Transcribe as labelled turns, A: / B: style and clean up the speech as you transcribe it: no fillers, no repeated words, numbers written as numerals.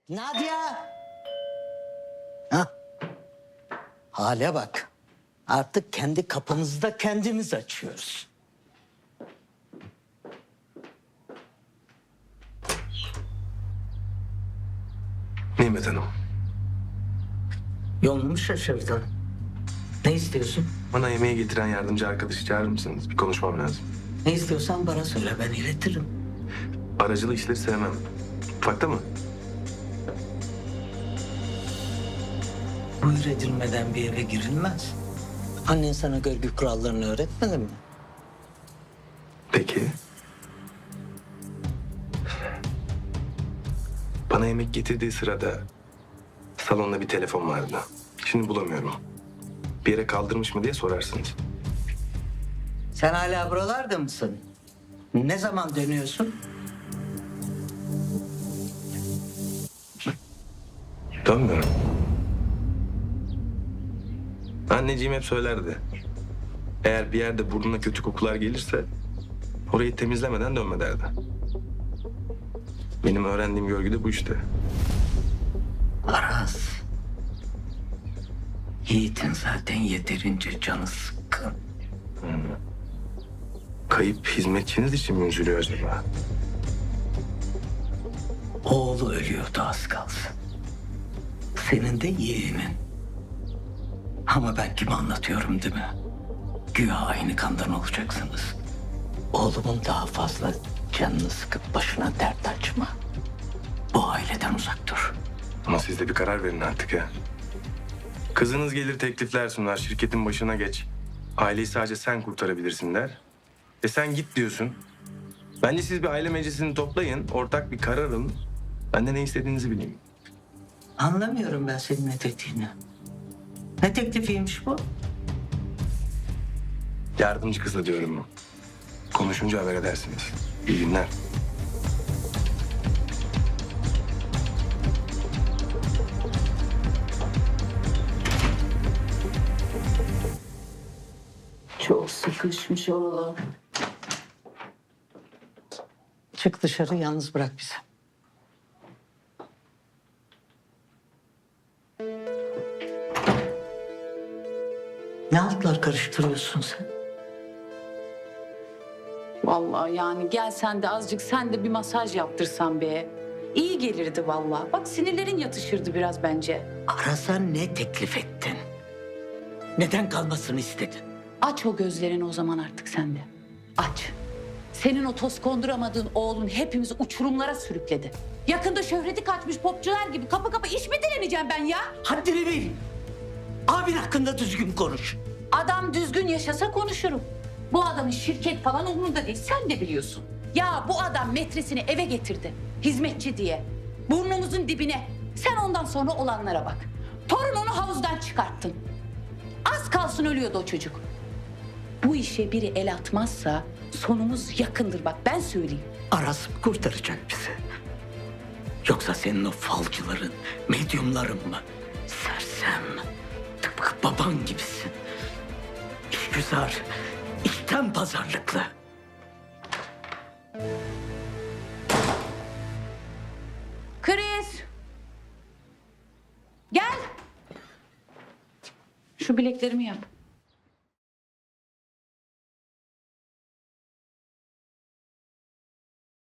A: Nadia! Ha? Hale bak. Artık kendi kapımızı da kendimiz açıyoruz.
B: Nimet Hanım,
A: Yolunu mu şaşırdın? Ne istiyorsun?
B: bana yemeği getiren yardımcı arkadaşı çağırır mısınız? Bir konuşmam lazım.
A: Ne istiyorsan bana söyle, ben iletirim.
B: Aracılı işleri sevmem. Mutfakta mı?
A: Buyur edilmeden bir eve girilmez. Annen sana görgü kurallarını öğretmedi mi?
B: Peki. Bana yemek getirdiği sırada salonda bir telefon vardı. Şimdi bulamıyorum. Bir yere kaldırmış mı diye sorarsınız.
A: Sen hala buralarda mısın? Ne zaman dönüyorsun?
B: Dönmüyorum. Anneciğim hep söylerdi. Eğer bir yerde burnuna kötü kokular gelirse orayı temizlemeden dönme derdi. Benim öğrendiğim görgü de bu işte.
A: Aras. Yiğit'in zaten yeterince canı sıkkın.
B: Kayıp hizmetçiniz için mi üzülüyor acaba?
A: Oğlu ölüyordu az kalsın. Senin de yeğenin. Ama ben kime anlatıyorum değil mi? Güya aynı kandan olacaksınız. Oğlumun daha fazla canını sıkıp başına dert açma. Bu aileden uzak dur.
B: Ama siz de bir karar verin artık ya. Kızınız gelir teklifler sunar, şirketin başına geç. Aileyi sadece sen kurtarabilirsin der. Sen git diyorsun. Bence siz bir aile meclisini toplayın, ortak bir karar alın. Ben de ne istediğinizi bileyim.
A: Anlamıyorum ben senin ne dediğini. Ne teklifiymiş bu?
B: Yardımcı kızla diyorum. Konuşunca haber edersiniz. İyi günler.
A: Çok sıkışmış oralar. Çık dışarı, yalnız bırak bizi. Ne altlar karıştırıyorsun sen?
C: Vallahi yani gel sen de azıcık sen de bir masaj yaptırsan be. İyi gelirdi vallahi. Bak sinirlerin yatışırdı biraz bence.
A: Aras'a ne teklif ettin? Neden kalmasını istedin?
C: Aç o gözlerini o zaman artık sen de. Aç. Senin o toz konduramadığın oğlun hepimizi uçurumlara sürükledi. Yakında şöhreti kaçmış popçular gibi kapı kapı iş mi dileneceğim ben ya?
A: Haddini bil. Abin hakkında düzgün konuş.
C: Adam düzgün yaşasa konuşurum. Bu adamın şirket falan umurunda değil. Sen de biliyorsun. Ya bu adam metresini eve getirdi. Hizmetçi diye. Burnumuzun dibine. Sen ondan sonra olanlara bak. Torununu havuzdan çıkarttın. Az kalsın ölüyordu o çocuk. Bu işe biri el atmazsa sonumuz yakındır bak ben söyleyeyim.
A: Aras mı kurtaracak bizi? Yoksa senin o falcıların, medyumların mı? Sersem, tıpkı baban gibisin. İşgüzar, içten pazarlıklı.
C: Kriz. Gel. Şu bileklerimi yap.